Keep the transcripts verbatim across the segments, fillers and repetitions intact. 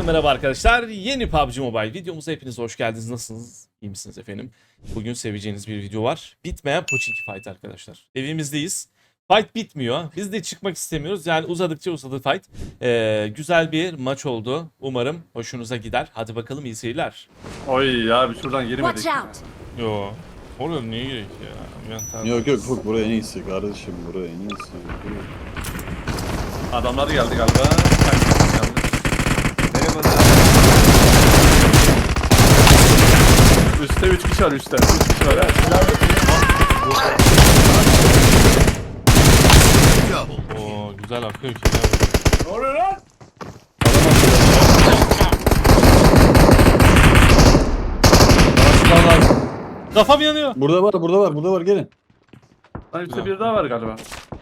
Herkese merhaba arkadaşlar. Yeni P U B G Mobile videomuza hepiniz hoş geldiniz. Nasılsınız? İyi misiniz efendim? Bugün seveceğiniz bir video var. Bitmeyen Pochinki Fight arkadaşlar. Evimizdeyiz. Fight bitmiyor. Biz de çıkmak istemiyoruz. Yani uzadıkça uzadı fight. Ee, güzel bir maç oldu. Umarım hoşunuza gider. Hadi bakalım, iyi seyirler. Oy abi şuradan girmedik. Watch out! Yo. Orada niye gerek ya? Yok yok yok, buraya en iyisi kardeşim, buraya en iyisi. Adamlar geldi galiba. Geldi. Merhaba. Üste üç kişi var üstte. üç kişi var. Evet. Oo, güzel akıyor ki. Ne oluyor lan? Kafam yanıyor. Burada var, burada var, burada var, gelin. Lan üstte bir daha var galiba.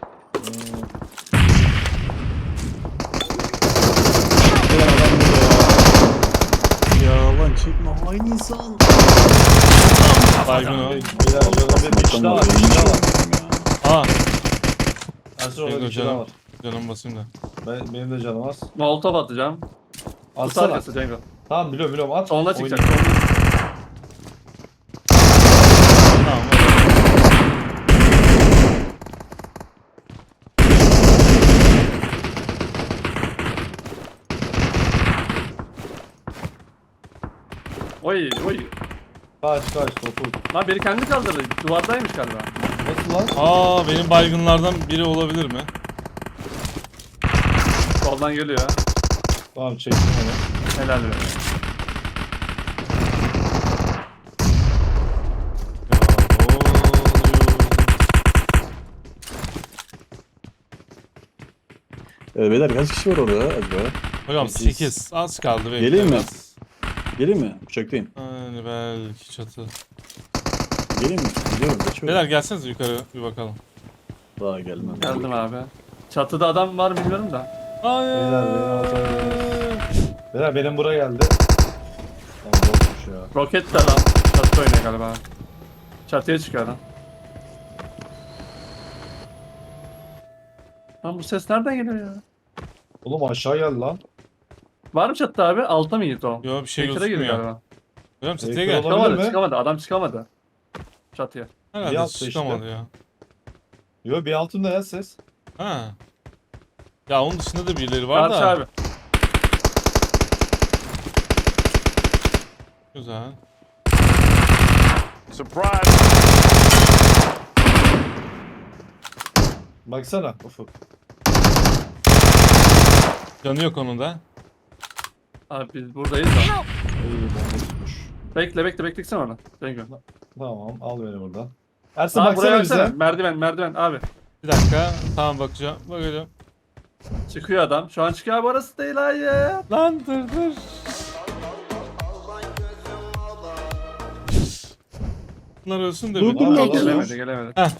Ya lan çekme, hain insan. Baygın o. Bir kişi daha var, bir kişi daha var. Aa, Ersin orada Cengo bir kişi daha canım. var. Canım basayım da. Ben, benim de canım az. Molotov atacağım. Kutu Atsana. arkası Cengo. Tamam biliyorum biliyorum at. Sonuna çıkacak. Oynayayım. Tamam. Oy oy. Kaç kaç dokuz. Lan beni kendi kaldırdı. Duvardaymış galiba. Nasıl lan? Aa, benim baygınlardan biri olabilir mi? Soldan geliyor ha. Tamam çektim onu. Helal be. Ee, beyler kaç kişi var orada acaba? Hocam Sekiz. sekiz. Az kaldı. bekle Geleyim mi? biraz. Gelin mi? Uçaktayım. Yani belki çatı. Gelin mi? Gidiyorum, kaçıyorum. Beyler gelsenize yukarı bir bakalım. Daha gelmem. Geldim abi. Çatıda adam var mı bilmiyorum da. Hayır. Beyler beni alacağım. Beyler benim buraya geldi. Tamam bokmuş ya. Roket de adam. Çatı oynuyor galiba. Çatıya çıkıyor adam. Lan bu ses nereden geliyor ya? Oğlum aşağı geldi lan. Var mı çatıda abi? Altta mı gitti o? Yo, bir şey Tekere girdi gözükmüyor. galiba. Hocam çatıya Tekrar gel. olabilir Çıkamadı, mi? çıkamadı. Adam çıkamadı. Çatıya. Bir Herhalde altta çıkamadı işte. ya. Yo bir altında ya ses. Ha. Ya onun dışında da birileri var Karşı da. abi. Güzel. Baksana ufuk. Canı yok onun da. Abi biz buradayız da. İyi bomba tutmuş. Bekle bekle beklesene onu. Cengo. Tamam al beni buradan. Ersin Abi buraya baksana baksana. bize. Merdiven merdiven abi. Bir dakika. Tamam, bakacağım. Bakacağım. Çıkıyor adam. Şu an çıkıyor abi, orası değil hayır. Lan dur dur. Bunlar ölsün de Dur, bir. dur, Al, dur, al, dur. Gelemedi gelemedi. Heh.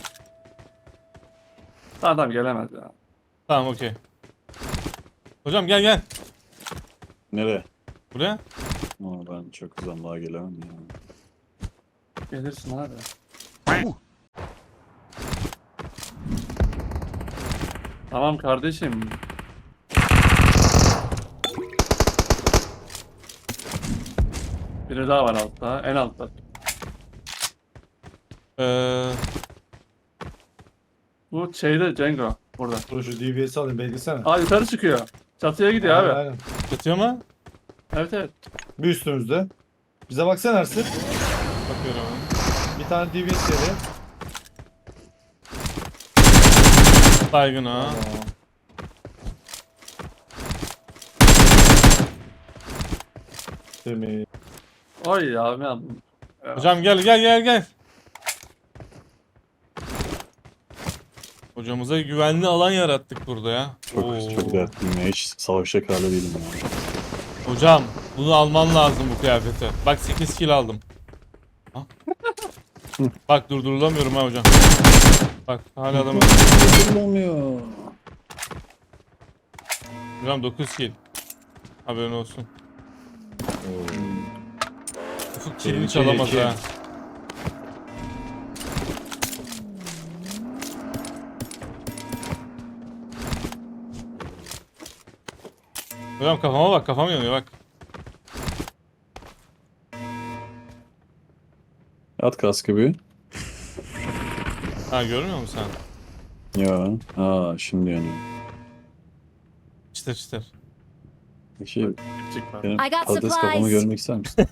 Tamam tamam gelemedi ya. Tamam, okey. Hocam gel gel. Nereye? Buraya. Aa, ben çok uzun daha gelemem ya. Gelirsin abi. Tamam kardeşim. Biri daha var altta. En altta. Ee, Bu şeyde Cengo. Burada. Dur şu D B S'i alayım beklesene. Aa yukarı çıkıyor. Çatıya gidiyor Aynen, abi. aynen. yatıyor mu? Evet evet. Bir üstümüzde. Bize baksana Ersin. Bakıyorum hemen. Bir tane D B S yeri. Baygın ha. Tamam. Temiz. Oy abi aldım. Hocam gel gel gel gel. Hocamıza güvenli alan yarattık burada ya. Çok Oo. çok dertliyim ya, hiç savaşacak halde değilim ya. Hocam bunu alman lazım, bu kıyafeti. Bak sekiz kill aldım. Ha? Bak durdurulamıyorum ha hocam. Bak hala adamı. Olmuyor. Hocam dokuz kill. Haberin olsun. Ufuk killini İki, çalamaz iki. ha. Hocam kafama bak, kafam yanıyor bak. At kaskı bir. Ha görmüyor musun sen? Ya. Aa şimdi yanıyor. Çıtır çıtır. Peki Çık var. benim I got patates kafamı supplies. görmek ister misin?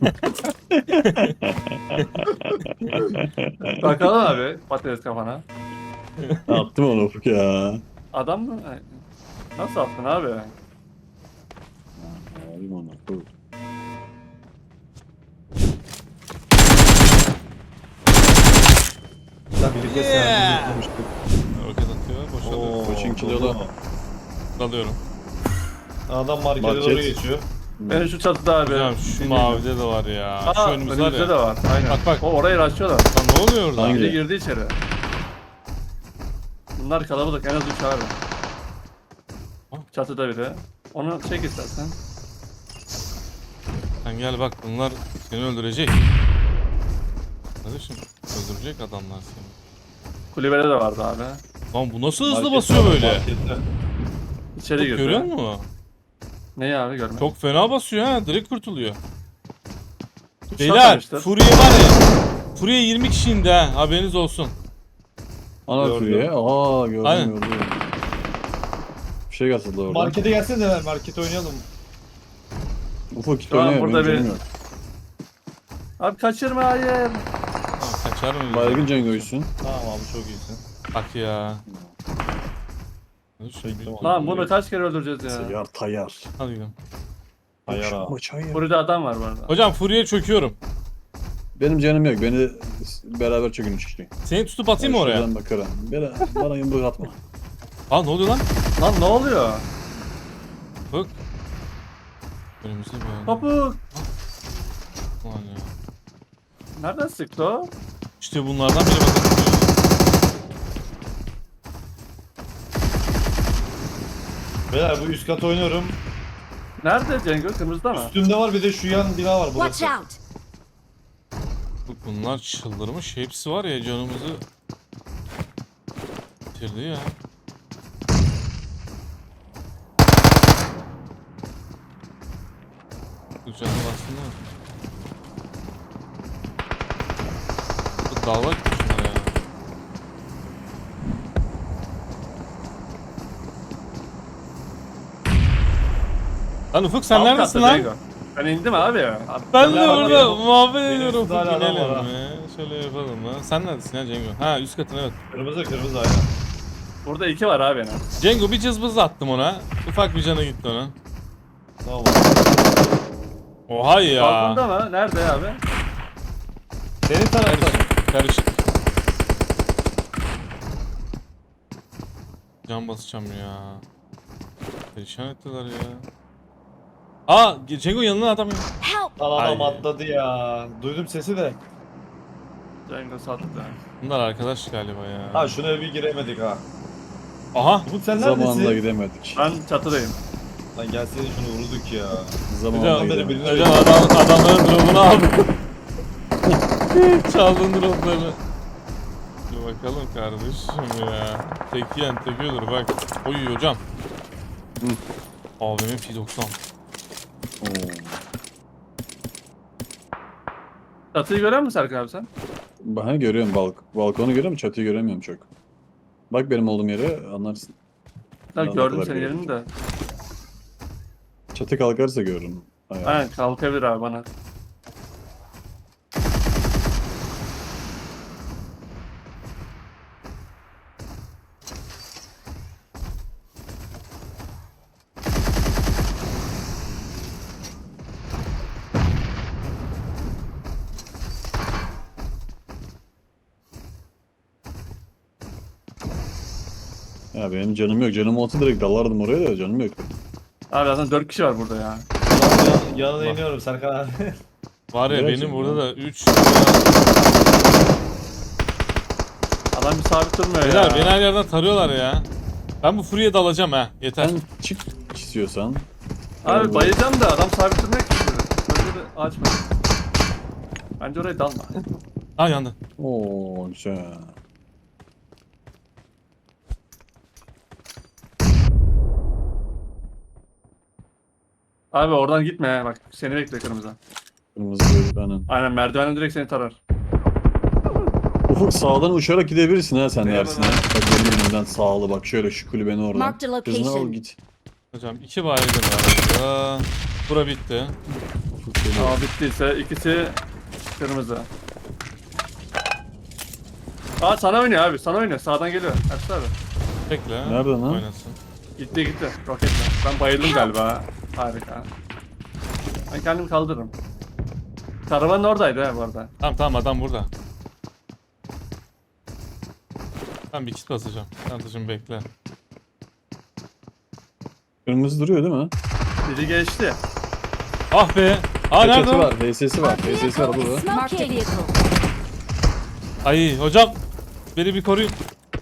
Bakalım abi patates kafana. Attım onu Ufuk ya. Adam mı? Ay, nasıl attın abi? Alayım onu. Dur. Sen birlikte Yeah. sen konuştuk. Roket atıyor, boşalıyor. Oo, Koçing kilolu. Dalıyorum. Adam markete Market. doğru geçiyor. Ben şu çatıda abi. Hocam şu Dinliyorum. mavide de var ya. Aa, şu önümüz var önümüzde ya. de var. Aynen. Bak, bak. O orayı açıyorlar. Lan ne oluyor orada? Hangi? Biri girdi içeri. Bunlar kalabalık en az üç abi. Ha? Çatıda biri. Onu çek istersen. Sen gel bak, bunlar seni öldürecek. Kardeşim öldürecek adamlar seni. Kulübede de vardı abi. Lan bu nasıl hızlı Markette basıyor var, böyle? markette. İçeri Bak, girdi. görüyor musun? Neyi abi görme. Çok fena basıyor ha, direkt kurtuluyor. Şat Beyler, almıştır. Furiye var ya. Furiye yirmi kişi indi ha, haberiniz olsun. Ana Gördüm. Furiye. Aa gördüm Aynen. gördüm. Bir şey katıldı orada. Markete gelsene hemen markete oynayalım. Ufuk git Şu an oynaya. burada Benim bir- canım yok. Abi kaçırma hayır. Tamam, kaçar mı? Baygın Cengo'ysun. Tamam abi çok iyisin. Bak ya. Dur, Çektim onu. Lan bunu kaç kere öldüreceğiz ya? Tayar tayar. Hadi gidelim. Hayır abi. Maç hayır. Burada adam var bu arada. Hocam Furiye'ye çöküyorum. Benim canım yok. Beni beraber çökün işte. Seni tutup atayım mı oraya? Şuradan bakarım. Bana, bana yumruk atma. Aa ne oluyor lan? Lan ne oluyor? Bak. Önümüzde bir adam Topuk. var ya. Nereden sıktı o? İşte bunlardan biri bakın. Beyler bu üst kat oynuyorum. Nerede Cengo? Kırmızıda mı? Üstümde var bir de şu yan bina var Watch burası. out! Bak bunlar çıldırmış. Hepsi var ya, canımızı bitirdi ya. Bu canım aslında. Bu dalga gitmiş bunlar ya. Lan Ufuk sen Alt neredesin katta lan? Cengo. Ben indim abi. abi Ben de Ben orada benim- muhabbet benim ediyorum. üstümde Ufuk hala adam inelim var ha. mi? Şöyle yapalım mı? Sen neredesin ya Cengo? Ha üst katın evet. Kırmızı kırmızı aynen. Burada iki var abi en az. Cengo bir cızbız attım ona. Ufak bir canı gitti ona. Tamam. Oha ya. Balkonda mı? Nerede abi? Senin tarafta. Karışık. Can basacağım ya. Perişan ettiler ya. Aa Cengo yanına adam ya. Help! Lan adam Ay. atladı ya. Duydum sesi de. Cengo sattı. Bunlar arkadaş galiba ya. Ha şuna bir giremedik ha. Aha. Umut sen Zamanında neredesin? gidemedik. Ben çatıdayım. Lan gelsene şunu vurduk ya. Zamanında Hocam, beni gidemedik. bilir- Hocam adam, adamların drop'unu aldı. Çaldın drop'larını. Dur bakalım kardeşim ya. Tek yiyen tek ölür bak. Oy hocam. Hı. Abimin P doksan. Oo. Çatıyı görüyor musun Serkan abi sen? Ben görüyorum balk balkonu görüyorum, çatıyı göremiyorum çok. Bak benim olduğum yere anlarsın. Ben Ben ne gördüm kadar senin görüyorum. yerini de. Çatı kalkarsa görürüm. Ayağı. Aynen kalkabilir abi bana. Ya benim canım yok. Canım olsa direkt dalardım oraya da canım yok. Abi zaten dört kişi var burada ya. Yan- Yanına iniyorum Serkan abi. Var ya Gerçekten benim burada mi? da üç. Adam bir sabit durmuyor Beyler ya. beni her yerden tarıyorlar ya. Ben bu Fury'e dalacağım ha. Yeter. Sen çık istiyorsan. Abi bayılacağım da adam sabit durmuyor ki. Böyle de ağaç var. Bence oraya dalma. Ha yandı. Oo güzel. Abi oradan gitme ya bak. Seni bekle kırmızı. Kırmızı gördük aynen. Aynen merdivenden direkt seni tarar. Ufuk sağdan uçarak gidebilirsin ha sen Ne dersin ha. Bak benim önümden sağlı bak şöyle şu kulübenin oradan. Marked a Kızını al location. git. Hocam iki baygın var burada. Bura bitti. Ufuk geliyor. Ama bittiyse ikisi kırmızı. Aa sana oynuyor abi. Sana oynuyor. Sağdan geliyor. Ertuğrul abi. Bekle. Nereden lan? Oynasın. Gitti gitti. Roketle. Ben bayıldım galiba. Harika. Ben kendimi kaldırırım. Karavanın oradaydı ha bu arada. Tamam tamam adam burada. Ben bir kit basacağım. Tanıtıcım bekle. Kırmızı duruyor değil mi? Biri geçti. Ah be. Aa nerede Çatı o? var, V S'si var, V S'si var Vehicle is burada. marked a vehicle. Ay hocam. Beni bir koruyun.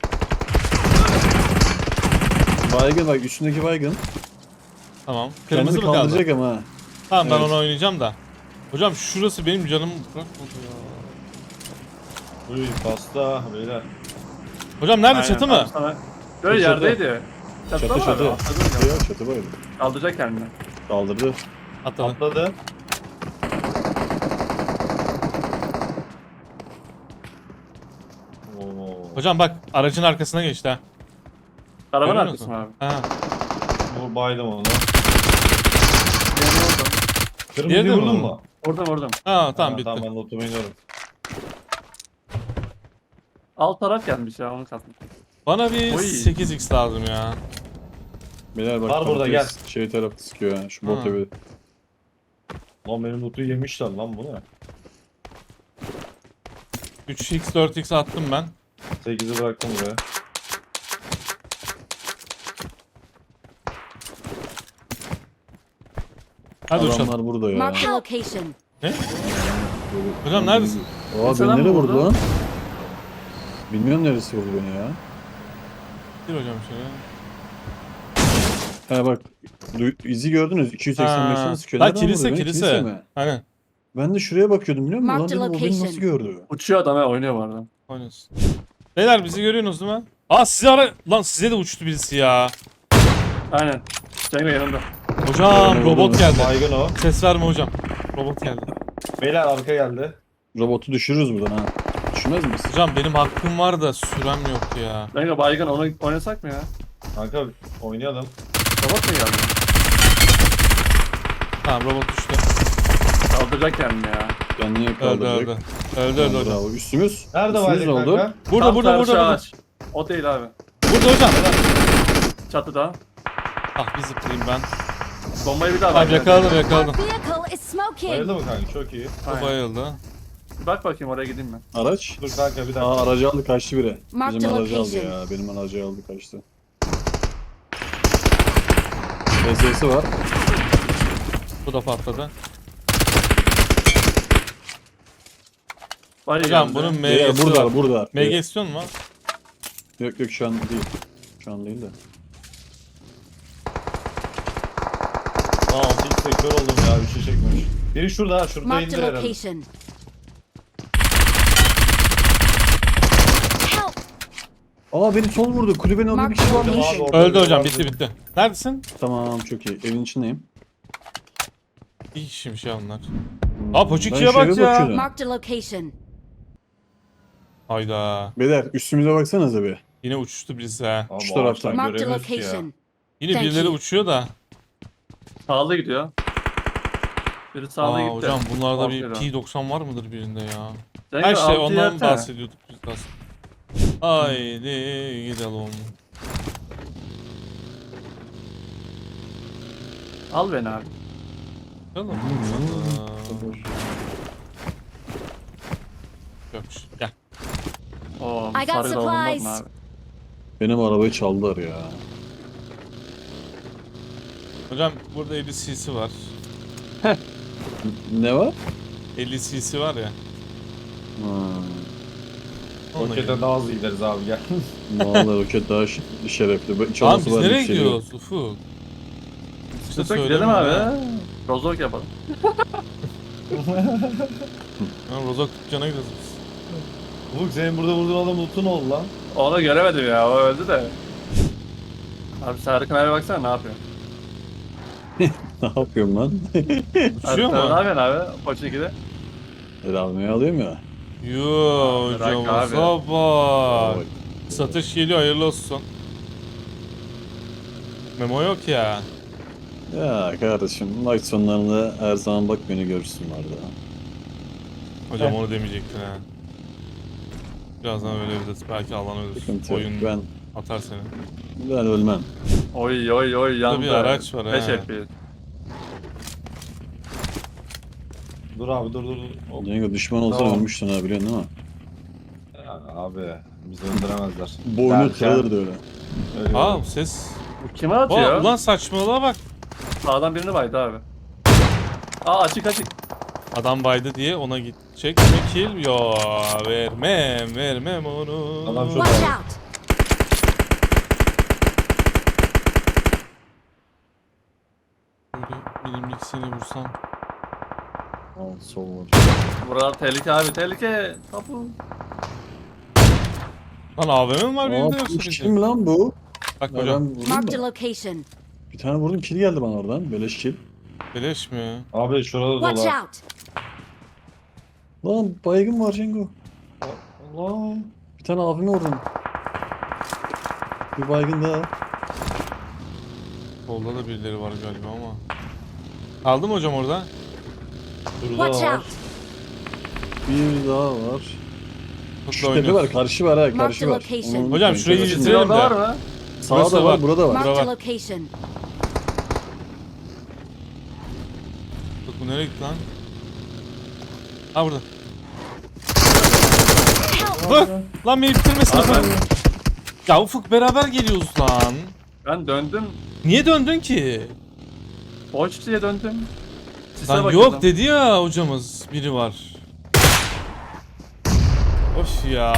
Baygın bak üstündeki baygın. Tamam. Kırmızı Kendini mı kaldı? kaldıracak ama ha. Tamam ben Evet. onu oynayacağım da. Hocam şurası benim canımı bırakmadı ya. Uy pasta beyler. Hocam nerede Aynen, çatı abi mı? Sana... Böyle Çatı. yerdeydi. Çatıda Çatı mı çatı. abi? Atladı mı? Yok çatı bayıldı. Kaldıracak kendini. Kaldırdı. Atladı. Atladı. Oo. Hocam bak aracın arkasına geçti ha. Karavan Görüyor arkası musun? mı abi? Ha. Bu baydım onu. Diğerini vurdum. Kırmızıyı Diğeri de mi vurdun bu? mu? Vurdum vurdum. Ha tamam Ha, bitti. Tamam ben notumu iniyorum. Alt taraf gelmiş ya onu katmış. Bana bir Oy. sekiz x lazım ya. Beyler bak. Var burada, patates gel. Şey tarafta sıkıyor ha. Şu Ha. bot evi. Lan benim notu yemişler lan bu ne? üç x dört x attım ben. sekizi bıraktım buraya. Hadi uçalım. Adamlar burada ya. Marked a location. Hocam neredesin? Aa Mesela beni nereye mı vurdu vurdu? lan? Bilmiyorum neresi vurdu beni ya. Gir hocam şöyle. Ha bak. du- izi gördünüz. iki yüz seksen beşten Ha. sıkıyor. Ha, Nereden kilise, vurdu beni? kilise. mi? Aynen. Ben de şuraya bakıyordum biliyor musun? Lan Marked dedim o beni location. nasıl gördü? Uçuyor adam ha oynuyor bu arada. Oynasın. Beyler bizi görüyorsunuz değil mi? Aa size ara... Lan size de uçtu birisi ya. Aynen. Cengo yanında. Hocam Öyle robot oldu. geldi. Baygın o. Ses verme hocam. Robot geldi. Beyler arka geldi. Robotu düşürürüz buradan ha. Düşmez miyiz? Hocam benim hakkım var da sürem yok ya. Cengo baygın onu oynasak mı ya? Kanka oynayalım. Robot mu geldi? Tamam robot düştü. Kaldıracak kendini ya. Kendini Öldü kaldıracak. öldü. Öldü öldü hocam. Bravo. Üstümüz. Nerede Üstümüz baygın ne oldu? kanka? Burada Tam burada karşı burada burada. ağaç. O değil abi. Burada hocam. Çatıda. Ah bir zıplayayım ben. Bombayı bir daha Tamam ver. yakaladım Our yakaladım. vehicle is smoking. Bayıldı mı kanka? Çok iyi. Bu Aynen. bayıldı. Bir bak bakayım oraya gideyim ben. Araç. Dur kanka bir dakika. Aa aracı aldı kaçtı biri. Marked Bizim a aracı aldı location. ya. Benim aracı aldı kaçtı. V S'si var. Bu da patladı. Var Hocam yanında. bunun Beyler, M G'si burada var. burada. M G istiyor musun? Yok yok şu an değil. Şu an değil de. Aa ilk sektör oldum ya bir şey çekmemiş. Biri şurada ha şurada Marked indir a herhalde. location. Help! Aa beni sol vurdu. Kulübenin orada bir kişi Marked varmış. location. Abi, orada Öldü biri hocam vardı. bitti bitti. Neredesin? Tamam çok iyi. Evin içindeyim. İyi kişiymiş ya onlar. Hmm, Aa, Poçiki'ye ben şeye bak ya. bakıyordum. Marked a location. Hayda. Beyler üstümüze baksanıza bir. Yine uçuştu birisi ha. Abi, Şu taraftan. ağaçtan Marked a göremiyoruz ki ya. location. Yine Thank birileri you. uçuyor da. Sağlı gidiyor. Biri sağlı Aa gitti. hocam bunlarda bir Aferin. P doksan var mıdır birinde ya? Cengo, Her şey altı ondan yersene. bahsediyorduk biz de aslında. Haydi gidelim. Al beni abi. Bakalım. Yokmuş. Gel. Oo, I got sarı da olmaz mı supplies. abi? Benim arabayı çaldılar ya. Hocam burada elli cc var. Ne var? elli cc var ya. Ha. Onunla Rokete gidelim. daha hızlı gideriz abi gel. Vallahi roket daha ş- şerefli. Tamam Çalması biz var, nereye yükseliyor. gidiyoruz Ufuk? İşte Çok gidelim söylemiyorum abi. ha. Rozok yapalım. Ha, Rozok dükkana gidiyoruz biz. Ufuk senin burada vurduğun adam loot'un oldu lan. Onu göremedim ya o öldü de. Abi Serkan abi baksana ne yapıyor. Ne yapıyorum lan? Uçuyor Sen ne mu? yapıyorsun abi? Poçinki'de. El almayı alıyorum ya. Yoo Bırak hocamıza abi. bak. Satış geliyor, hayırlı olsun. Memo yok ya. Ya kardeşim maç sonlarında her zaman bak beni görürsün orada. Hocam Heh. onu demeyecektin ha. Birazdan öyle bir de belki alan ölür. Sıkıntı yok. Oyun Ben, atar seni. ben ölmem. Oy oy oy yandı. bir araç var ha. beş F P S. Dur abi dur dur. dur. Hop. Cengo düşman olsan Tamam. ölmüştün ha biliyorsun değil mi? Ya abi bizi öldüremezler. Boynu Derken kırılırdı öyle. ölüyorum. Aa bu ses. Bu kime atıyor? Aa, ulan saçmalığa bak. Sağdan birini baydı abi. Aa açık açık. Adam baydı diye ona gidecek mi kill? Yo vermem vermem onu. Adam çok- Watch Bravo. out! Böyle bilimlik seni vursam. Al sol var. Burada tehlike abi tehlike. Tapu. Lan A V M mi var benim de Aa yoksa bu bizim? kim lan bu? Bak Ya hocam. ben vurdum Marked a da. location. Bir tane vurdum kill geldi bana oradan. Beleş kill. Beleş mi? Abi şurada Watch dolar. out! Lan baygın var Cengo. Allah. Bir tane abime vurdum. Bir baygın daha. Solda da birileri var galiba ama. Aldım hocam orada. Şurada Watch var. out! Bir daha var. Mutlu Şu tepe oynuyoruz. var, karşı var ha, Mark karşı the var. location. Onu Hocam unutmayın, şurayı karşı. bitirelim. Silahda var mı? Sağda Burası var, var. burada var. Marked var. a location. Bak bu nereye gitti lan? Ha burada. Dur! Lan beni bitirmesin Abi Ufuk. ben, Ya Ufuk beraber geliyoruz lan. ben döndüm. Niye döndün ki? Boş diye döndüm. Sise Lan bakıyordum. yok dedi ya hocamız. Biri var. Of ya.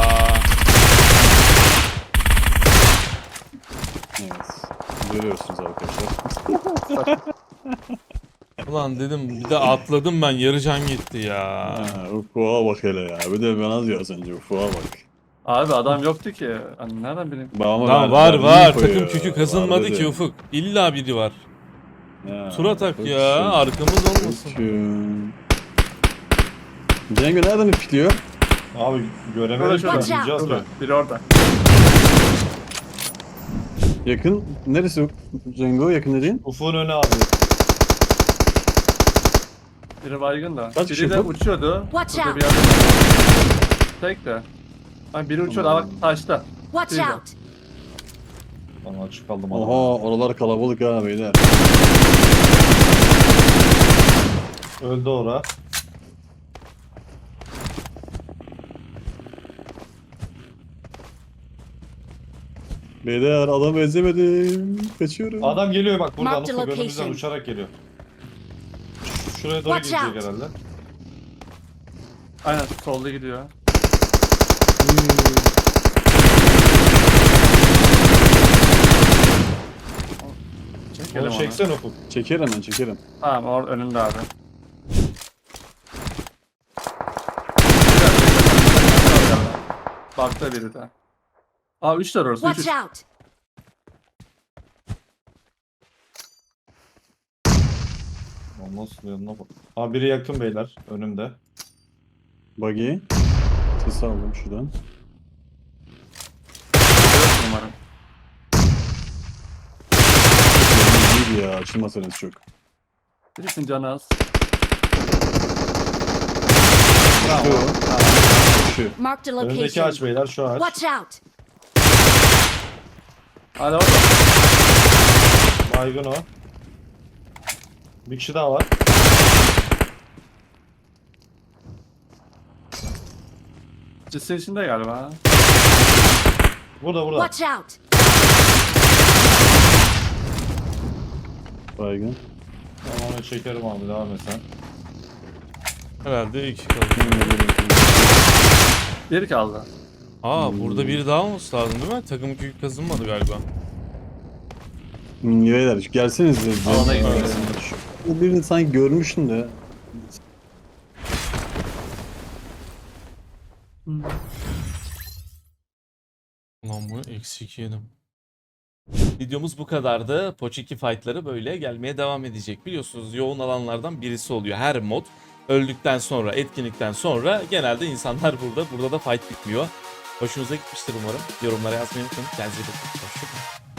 Evet. Görüyorsunuz arkadaşlar. Ulan dedim bir de atladım ben, yarı can gitti ya. Ha, Ufuk'a bak hele ya. Bir de bana diyor az önce Ufuk'a bak. Abi adam yoktu ki. Hani nereden bileyim? Bağıma Lan ver- var verdiğini var, koyuyor. takım kükü kazınmadı Var ki dedi. Ufuk. İlla biri var. Ya, Tur atak koçum, ya, arkamız olmasın. koçum. Cengo nereden ipikliyor? Abi Şurada göremedim ki. şurada. Gideceğiz Şurada. mi? Biri orada. Yakın. Neresi Cengo? Yakın dediğin? Ufuk'un önü abi. Biri baygın da. Kaç Biri kişi de bu? uçuyordu. Watch Şurada out. bir yerde. Tek de. Hani biri uçuyordu. Aa bak taşta. Watch Şurada. out! Ben açık kaldım Oha adama. oralar kalabalık ha beyler. Öldü ora. Beyler adam ezemedim. Kaçıyorum. Adam geliyor bak buradan. Marked Ufuk önümüzden location. uçarak geliyor. Ş- Şuraya doğru Watch gidecek out. herhalde. Aynen solda gidiyor. Çekelim Onu onu. çeksen Ufuk. Çeker hemen çekerim. Tamam or önünde abi. Bakta biri de. Aa üç tane orası. Üç, Watch üç. out! Lan nasıl yanına bak. Abi biri yakın beyler önümde. Buggy. Sesi aldım şuradan. Dört umarım. İyiydi ya açılmasanız çok. Birisinin canı az. Şu. Şu. Marked a Önündeki ağaç location. beyler şu ağaç. Watch out! Hadi orada. Baygın o. Bir kişi daha var. Cisin içinde galiba. Burada burada. Watch out! Baygın. Tamam onu çekerim abi devam et sen. Herhalde iki kaldı. Bir kaldı. Aa burada biri daha olması lazım değil mi? Takım kükü kazınmadı galiba. Hmm, beyler gelseniz de. Alana gidiyoruz. Bu birini sanki görmüştüm de. Ulan bunu eksi iki yedim. Videomuz bu kadardı. Pochinki fightları böyle gelmeye devam edecek. Biliyorsunuz yoğun alanlardan birisi oluyor. Her mod öldükten sonra, etkinlikten sonra genelde insanlar burada. Burada da fight bitmiyor. Hoşunuza gitmiştir umarım. Yorumlara yazmayı unutmayın. Kendinize iyi bakın. Hoşçakalın.